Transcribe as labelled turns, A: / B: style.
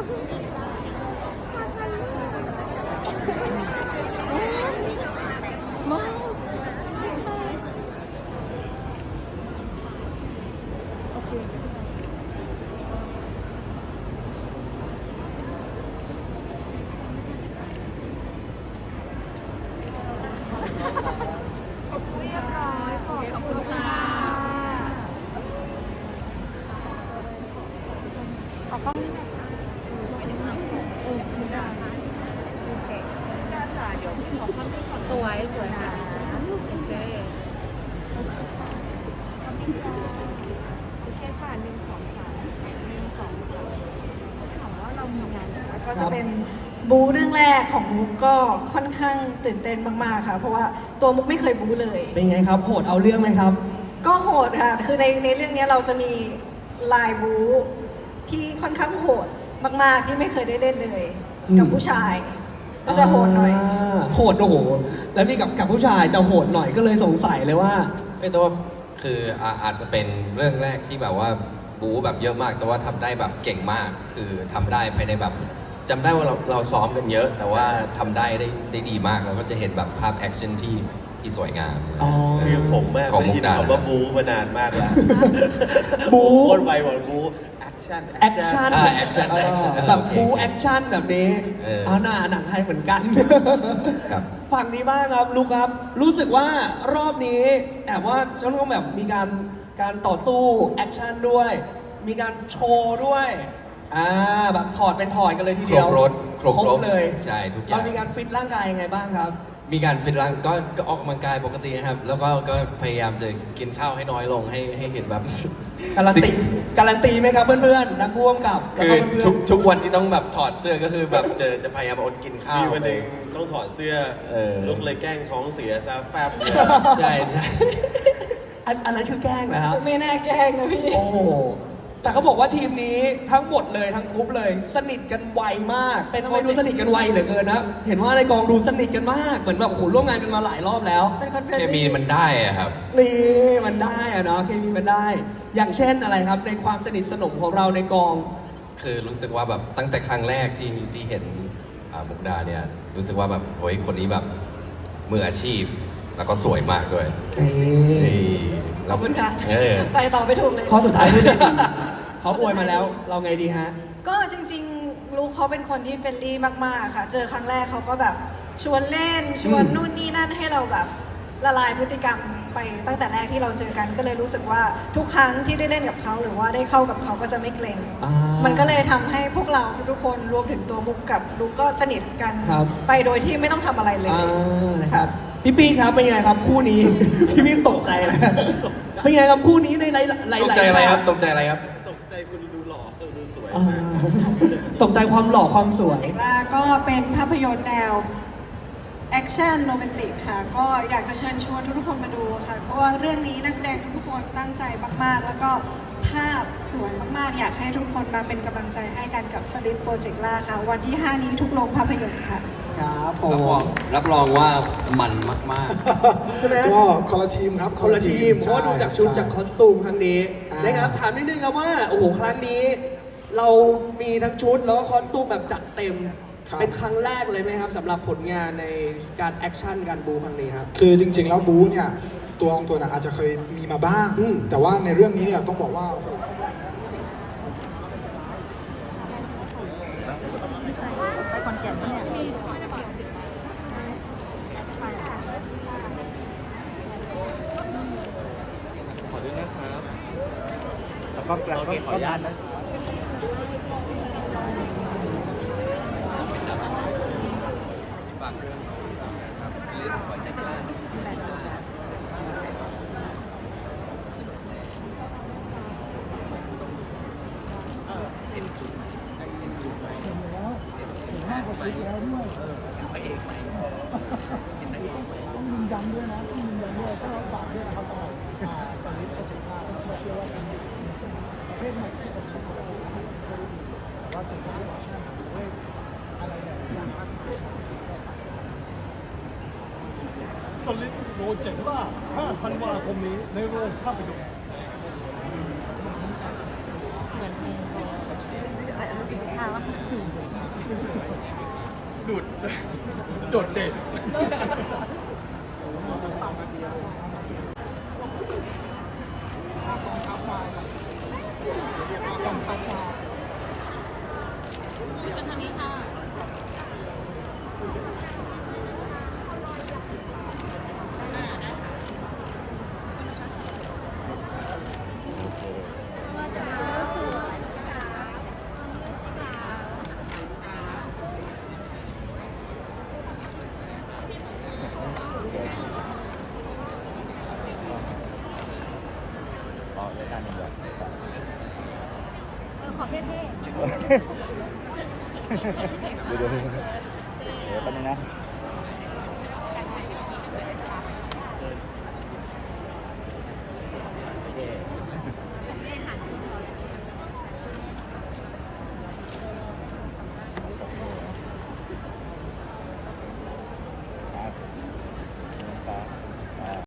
A: สวยสวยค่ะโอเคโอเคค่ะถามว่าเรามีงานก็จะเป็นบู๊เรื่องแรกของมุกก็ค่อนข้างตื่นเต้นมากๆค่ะเพราะว่าตัวมุกไม่เคยบู๊เลย
B: เป็นไงครับโหดเอาเรื่องไหมครับ
A: ก็โหดค่ะคือในเรื่องนี้เราจะมีลายบู๊ที่ค่อนข้างโหดมากๆที่ไม่เคยได้เล่นเลยกับผู้ชายก็จะโหดหน่อย
B: โหดโอ้โหแล้วนี่กับผู้ชายจะโหดหน่อยก็เลยสงสัยเลยว่า
C: ไม่แต่ว่าคืออาจจะเป็นเรื่องแรกที่แบบว่าบู๊แบบเยอะมากแต่ว่าทำได้แบบเก่งมากคือทำได้ภายในแบบจำได้ว่าเราซ้อมกันเยอะ แต่ว่าทำได้ดีมากเราก็จะเห็นแบบภาพแอคชั่นที่สวยงาม
D: คือผมแม่ได้ยินคำว่าบู๊มานานมากแล้ว
B: บู๊
D: คนไวบอกบู๊แอคชั่น
B: แบบบู๊แอคชั่นแบบนี้หนังไทยเหมือนกันฝั่งนี้บ้างครับลูกครับรู้สึกว่ารอบนี้แอบว่าจะต้องแบบมีการต่อสู้แอคชั่นด้วยมีการโชว์ด้วยแบบถอดเป็นถอดกันเลยทีเดียว
C: ครบ
B: เลย
C: ใช่ทุกอย่าง
B: เรามีการฟิตร่างกายยังไงบ้างครับ
C: มีการฟิตร่างก็ออกกำลังกายปกตินะครับแล้วก็พยายามจะกินข้าวให้น้อยลงให้เห็นแบบ
B: การันตีไหมครับเพื่อนๆนักร่วมกับ
C: คือทุกวันที่ต้องแบบถอดเสื้อก็คือแบบจะพยายามอดกินข้าว
D: มีวันหนึ่งต้องถอดเสื้อลูกเลยแกล้งท้องเสียซะแฟบ
C: ใช่
B: อันนั้นคือแกล้งเหรอครับ
A: ไม่น่าแกล้งนะพี่
B: โอ้แต่เขาบอกว่าทีมนี้ทั้งหมดเลยทั้งกรุ๊ปเลยสนิทกันไวมากเป็นคนดูสนิทกันไวเหลือเกินนะเห็นว่าในกองดูสนิทกันมากเหมือนแบบโอ้โหร่วมงานกันมาหลายรอบแล้ว
C: เคมีมันได้อะครับ
B: นี่มันได้อะเนาะเคมีมันได้อย่างเช่นอะไรครับในความสนิทสนมของเราในกอง
C: คือรู้สึกว่าแบบตั้งแต่ครั้งแรกที่เห็นมุกดาเนี่ยรู้สึกว่าแบบโอ้ยคนนี้แบบมืออาชีพแล้วก็สวยมากด้วย
A: ขอบคุณค่ะไปต่อไปถูกเลย
B: ข้อสุดท้ายด้วยเขาอวยมาแล้วเราไงดีฮะ
A: ก็จริงๆลูกเขาเป็นคนที่เฟรนลี่มากๆค่ะเจอครั้งแรกเขาก็แบบชวนเล่นชวนนู่นนี่นั่นให้เราแบบละลายพฤติกรรมไปตั้งแต่แรกที่เราเจอกันก็เลยรู้สึกว่าทุกครั้งที่ได้เล่นกับเขาหรือว่าได้เข้ากับเขาก็จะไม่เกรงมันก็เลยทำให้พวกเราทุกคนรวมถึงตัวมุกกับลูกก็สนิทกันไปโดยที่ไม่ต้องทำอะไรเลย
B: นะครับพี่ปีครับเป็นไงครับคู่นี้พี่ปีตกใจเลยเป็นไงครับคู่นี้ในหลาย
C: ตกใจอะไรครับตกใจอะไรครับ
D: ตกใจคุณดูหล่อดูสวย
B: ตกใจความหล่อความสวย
A: เจกล่าก็เป็นภาพยนตร์แนวแอคชั่นโรแมนติกค่ะก็อยากจะเชิญชวนทุกคนมาดูค่ะเพราะว่าเรื่องนี้นักแสดงทุกคนตั้งใจมากๆแล้วก็ภาพสวยมากๆอยากให้ทุกคนมาเป็นกำลังใจให้กันกับสลิดโปรเจกต์ล่าค่ะวันที่ 5 นี้ทุกโรงภาพยนตร์ค่ะ
B: ครับ
C: รับรองว่ามันมาก
B: ๆก็คนละทีมครับคนละทีมเพราะดูจากชุดจากคอสตูมครั้งนี้นะครับถามนิดนึงครับว่าโอ้โหครั้งนี้เรามีทั้งชุดแล้วก็คอสตูมแบบจัดเต็มเป็นครั้งแรกเลยไหมครับสำหรับผลงานในการแอคชั่นการบูครั้งนี้ครับ
E: คือจริงๆแล้วบูเนี่ยตัวอาจจะเคยมีมาบ้างแต่ว่าในเรื่องนี้เนี่ยต้องบอกว่า
A: ไปคอนแก่นเนี่ย
F: ขอด้วยนะครับแล้วก็ขออนุญาตนะฝากเรื่องครับซีรีส์ขอแจ็คล่าเห็นจุดไหมเห็นแล้วเห็นมากกว่าชุดแล้วด้วยพระเอกไหมเห็นนางเอกไหมต้องยืนยันด้วยนะต้องยืนยันด้วยก็ฝากด้วยนะครับสลิดโปรเจกต์ล่าเราเชื่อว่าเป็นประเภทใหม่ที่ผมแต่ว่าจะเป็นแอคชั่นด้วยอะไรแบบอย่างนั้นสลิดโปรเจกต์ล่า5 ธันวาคมนี้ในโรงภาพยนตร์
A: ข้าว
F: โดดเด่น
G: ขอเท่ๆ
H: เดี๋ยวแป๊บนึงนะ